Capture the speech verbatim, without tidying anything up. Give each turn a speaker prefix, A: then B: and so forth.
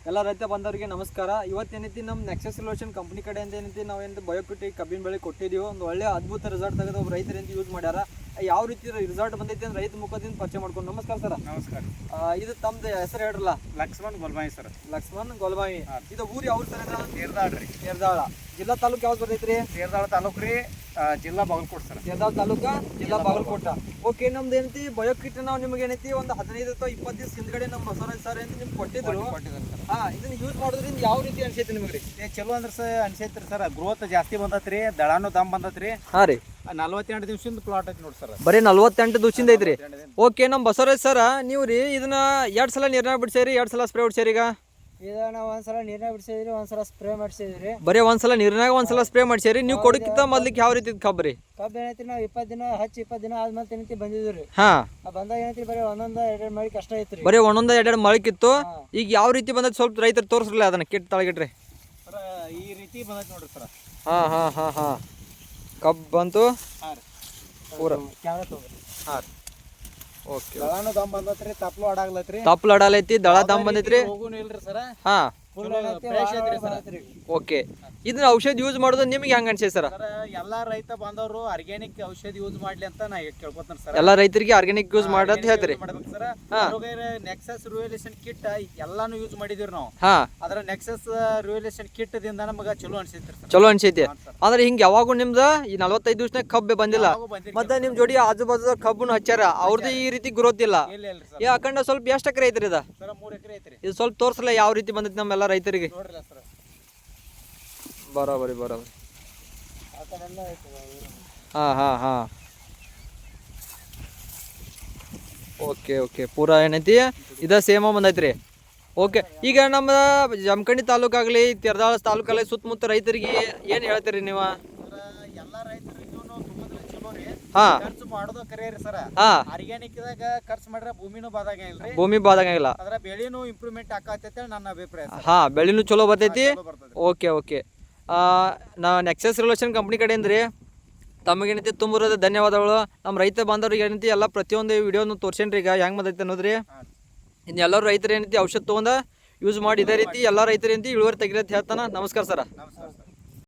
A: ಎಲ್ಲ ರೈತ ಬಂದವರಿಗೆ ನಮಸ್ಕಾರ. ಇವತ್ತೇನೈತಿ ನಮ್ಮ ನೆಕ್ಸಸ್ ಸೊಲ್ಯೂಷನ್ ಕಂಪ್ನಿ ಕಡೆ ಅಂತ ಏನೈತಿ ನಾವು ಏನು ಬಯೋಕಿಟಿ ಕಬ್ಬಿನ ಬೆಳೆ ಕೊಟ್ಟಿದ್ದೀವಿ. ಒಂದು ಒಳ್ಳೆ ಅದ್ಭುತ ರಿಸಲ್ಟ್ ತೆಗೆದು ಒಬ್ಬ ರೈತರಿಂದ ಯೂಸ್ ಮಾಡ್ಯಾರ. ಯಾವ ರೀತಿ ರಿಸಲ್ಟ್ ಬಂದೈತಿ ಅಂದ್ರೆ ರೈತ ಮುಖದಿಂದ ಪರಿಚಯ ಮಾಡ್ಕೊಂಡು. ನಮಸ್ಕಾರ ಸರ್.
B: ನಮಸ್ಕಾರ.
A: ಇದು ತಮ್ಮದು ಹೆಸರು ಹೇಳ್ರಲ್ಲ?
B: ಲಕ್ಷ್ಮಣ್ ಗೋಲ್ಬಾಯಿ ಸರ್.
A: ಲಕ್ಷ್ಮಣ್ ಗೋಲ್ಬಾಯಿ. ಇದು ಊರು ಯಾವ ಸರ್?
B: ತೇರ್ದಾಳ ರೀ.
A: ತೇರ್ದಾಳ ಜಿಲ್ಲಾ ತಾಲೂಕು ಯಾವ್ದು ಬರ್ತೈತ್ರಿ?
B: ತೇರ್ದಾಳ ತಾಲೂಕು ರೀ, ಜಿಲ್ಲಾ ಬಾಗಲಕೋಟೆ ಸರ್.
A: ತೇರ್ದಾಳ ತಾಲೂಕ, ಜಿಲ್ಲಾ ಬಾಗಲಕೋಟ. ಓಕೆ, ನಮ್ದು ಏನೈತಿ ಬಯೋಕಿಟ್ ನಾವು ನಿಮ್ಗೆ ಏನೈತಿ ಒಂದು ಹದಿನೈದು ಅಥವಾ ಇಪ್ಪತ್ತು ದಿವಸ ಹಿಂದ್ಗಡೆ ನಮ್ಮ ಬಸವರಾಜ್ ಸರ್ ಅಂತ ನಿಮ್ಗೆ ಕೊಟ್ಟಿದ್ರು. ಹಾ, ಇದನ್ನ ಯೂಸ್ ಮಾಡೋದ್ರಿಂದ ಯಾವ ರೀತಿ ಅನ್ಸೈತಿ ನಿಮ್ಗೆ?
B: ಏ ಚಲೋ ಅಂದ್ರೆ ಸರ್ ಅನ್ಸೈತ್ರಿ ಸರ್. ಗ್ರೋತ್ ಜಾಸ್ತಿ ಬಂದತ್ರಿ, ದಳಾನು ದಮ್ ಬಂದತ್ರಿ.
A: ಹಾ ರೀ,
B: ನಲ್ವತ್ತೆಂಟು ದಿವಸದಿಂದ ಪ್ಲಾಟ್ ಐತಿ ನೋಡಿ ಸರ್.
A: ಬರೀ ನಲ್ವತ್ತೆಂಟು ದಿವಸದಿಂದ ಐತ್ರಿ. ಓಕೆ, ನಮ್ಮ ಬಸವರಾಜ್ ಸರ್ ನೀವು ರೀ ಇದನ್ನ ಎರಡ್ ಸಲ ನೀರ್ನಾಗ ಬಿಡ್ಸೇರಿ, ಎರಡ್ ಸಲ ಸ್ಪ್ರೇ ಹೊಡ್ಸೇರಿ. ಈಗ
C: ಇದನ್ನ ಒಂದ್ಸಲ ನೀರ್ನಾಗ ಬಿಡ್ಸಿದ್ರಿ, ಒಂದ್ಸಲ ಸ್ಪ್ರೇ ಮಾಡಿಸಿದ್ರಿ.
A: ಬರೀ ಒಂದ್ಸಲ ನೀರ್ನಾಗ ಒಂದ್ಸಲ ಸ್ಪ್ರೇ ಮಾಡ್ಸೇರಿ. ನೀವು ಕೊಡಕ್ಕಿಂತ ಮೊದ್ಲಿಕ್ಕೆ ಯಾವ ರೀತಿ ಕಬ್ಬರಿ
C: ಕಬ್ಬು ಏನೈತಿ ನಾವು ಇಪ್ಪತ್ತು ದಿನ ಹಚ್ಚಿ ಇಪ್ಪತ್ತು ದಿನ ಆದ್ಮೇಲೆ ಏನೈತಿ ಬಂದಿದ್ರಿ.
A: ಹಾ,
C: ಬಂದಾಗ ಏನೈತಿ ಬರೀ ಒಂದೊಂದ ಎರಡೆರಡು ಮಳಿ ಕಷ್ಟ ಐತ್ರಿ.
A: ಬರೀ ಒಂದೊಂದ ಎರಡೆರಡು ಮಳಕಿತ್ತು. ಈಗ ಯಾವ ರೀತಿ ಬಂದೈತಿ ಸ್ವಲ್ಪ ರೈತರು ತೋರಿಸ್ರಲ್ಲ ಅದನ್ನ ಕಿಟ್ ತಳಗಿಟ್ರಿ.
B: ಸರ್ ಈ ರೀತಿ ಬಂದೈತಿ ನೋಡ್ರಿ ಸರ್.
A: ಹಾ ಹಾ ಹಾ ಹಾ ಕಬ್ಬು ಬಂತು.
B: ಹಾ ರೀ,
A: ಪೂರ
C: ಕ್ಯಾಮ್ರಾ ತಗೋರಿ.
A: ಹಾ ರೀ, ಓಕೆ.
B: ದಳಾನು ದಮ್ ಬಂದತ್ರಿ, ತಪ್ಲು ಆಡಾಗ್ಲತ್ರಿ,
A: ತಪ್ಪಲು ಅಡಾಲೈತಿ, ದಳ ದಮ್ ಬಂದೈತ್ರಿ.
B: ಹೋಗುನು ಇಲ್ರಿ ಸರ್.
A: ಹಾ,
B: ಫ್ರೆಶ್ ಐತ್ರಿ ಸರ್.
A: ಓಕೆ. ಇದನ್ನ ಔಷಧ ಯೂಸ್ ಮಾಡೋದು ನಿಮ್ಗೆ ಹೆಂಗ ಅನ್ಸೈತಿ ಸರ್?
B: ಸರ್ ಎಲ್ಲಾ ರೈತ ಬಾಂಧವರು ಆರ್ಗ್ಯಾನಿಕ್ ಔಷಧಿ ಯೂಸ್ ಮಾಡ್ಲಿ ಅಂತ ನಾ ಕೇಳ್ಕೊತಾನೆ ಸರ್.
A: ಎಲ್ಲಾ ರೈತರಿಗೆ ಆರ್ಗ್ಯಾನಿಕ್ ಯೂಸ್ ಮಾಡತ್ ಹೇಳ್ತೀರಿ.
B: ಮಾಡ್ಬೇಕು ಸರ್. ನೆಕ್ಸಸ್ ರಿವಲ್ಯೂಷನ್ ಕಿಟ್ ಎಲ್ಲಾನು ಯೂಸ್ ಮಾಡಿದಿವಿ ನಾವು.
A: ಹಾ,
B: ಅದ್ರ ನೆಕ್ಸಸ್ ರಿವಲ್ಯೂಷನ್ ಕಿಟ್ ದಿಂದ ನಮಗ ಚಲೋ ಅನ್ಸೈತ್ರಿ ಸರ್.
A: ಚಲೋ ಅನ್ಸೈತಿ. ಅಂದ್ರೆ ಹಿಂಗ ಯಾವಾಗೂ ನಿಮ್ದ ಈ ನಲವತ್ತೈದು ದಿವಸನಾಗ ಕಬ್ಬೆ ಬಂದಿಲ್ಲ. ಮತ್ತೆ ನಿಮ್ ಜೋಡಿ ಆಜು ಬಾಜು ಕಬ್ಬನ್ನು ಹಚ್ಚಾರ, ಅವ್ರದ್ದು ಈ ರೀತಿ ಗ್ರೋತ್ ಇಲ್ಲ.
B: ಇಲ್ಲ ಇಲ್ರಿ ಸರ್.
A: ಈ ಅಖಂಡ ಸ್ವಲ್ಪ ಎಷ್ಟು ಎಕರೆ ಐತ್ರಿ ಇದ?
B: ಸರ್ ಮೂರ್ ಎಕರೆ ಐತ್ರಿ.
A: ಇದು ಸ್ವಲ್ಪ ತೋರ್ಸಲ್ಲ ಯಾವ ರೀತಿ ಬಂದೈತಿ ನಮ್ಮೆಲ್ಲ ರೈತರಿಗೆ.
B: ನೋಡ್ರಲ್ಲ ಸರ್.
A: ಬರೋಬರಿ ಬರೋಬರಿ.
C: ಆ ಕಡೆ ಎಲ್ಲ ಐತಿ.
A: ಹಾ ಹಾ ಹಾ ಓಕೆ ಓಕೆ. ಪೂರಾ ಏನೈತಿ ಇದ ಸೇಮ ಬಂದೈತ್ರಿ. ಓಕೆ, ಈಗ ನಮ್ಮ ಜಮಖಂಡಿ ತಾಲೂಕಾಗ್ಲಿ ತೇರದಾಳ ತಾಲೂಕಲ್ಲಿ ಸುತ್ತಮುತ್ತ ರೈತರಿಗೆ ಏನ್ ಹೇಳ್ತೀರಿ ನೀವು?
B: ಎಲ್ಲಾ ರೈತರಿಗೂ ತುಂಬಾ ಚಲೋ ರೀ.
A: ಹಾ,
B: ಖರ್ಚು ಮಾಡೋದು ಕರೆಯರಿ ಸರ್.
A: ಹಾ,
B: ಆರ್ಗ್ಯಾನಿಕ್ ದಾಗ ಖರ್ಚು ಮಾಡ್ರೆ ಭೂಮಿನೂ ಬಾದಾಗ ಇಲ್ರಿ,
A: ಭೂಮಿ ಬಾದಂಗಿಲ್ಲ.
B: ಅದ್ರ ಬೆಳೆನೂ ಇಂಪ್ರೂವ್ಮೆಂಟ್ ಆಕತೈತೆ ನನ್ನ ಅಭಿಪ್ರಾಯ ಸರ್.
A: ಹಾ, ಬೆಳೆನೂ ಚಲೋ ಬರ್ತೈತಿ.
B: ಚಲೋ ಬರ್ತೈತಿ.
A: Okay okay. ನಾ ನೆಕ್ಸಸ್ ರಿಲೇಷನ್ ಕಂಪ್ನಿ ಕಡೆಯಿಂದ ರೀ ತಮಗೇನೈತಿ ತುಂಬ ಧನ್ಯವಾದಗಳು. ನಮ್ಮ ರೈತ ಬಾಂಧವ್ರಿಗೆ ಏನೈತಿ ಎಲ್ಲ ಪ್ರತಿಯೊಂದು ವಿಡಿಯೋನು ತೋರ್ಸೇನ್ರಿ ಈಗ ಹೆಂಗೆ ಬಂದೈತೆ ಅನ್ನೋದ್ರಿ. ಇನ್ನು ಎಲ್ಲರೂ ರೈತರು ಏನೈತಿ ಔಷಧ ತೊಗೊಂಡ ಯೂಸ್ ಮಾಡಿ ಇದೇ ರೀತಿ ಎಲ್ಲ ರೈತರು ಏನೈತಿ ಇಳುವರಿ ತೆಗಿರತ್ತೆ ಹೇಳ್ತಾನೆ. ನಮಸ್ಕಾರ ಸರ್.
B: ನಮಸ್ಕಾರ ಸರ್.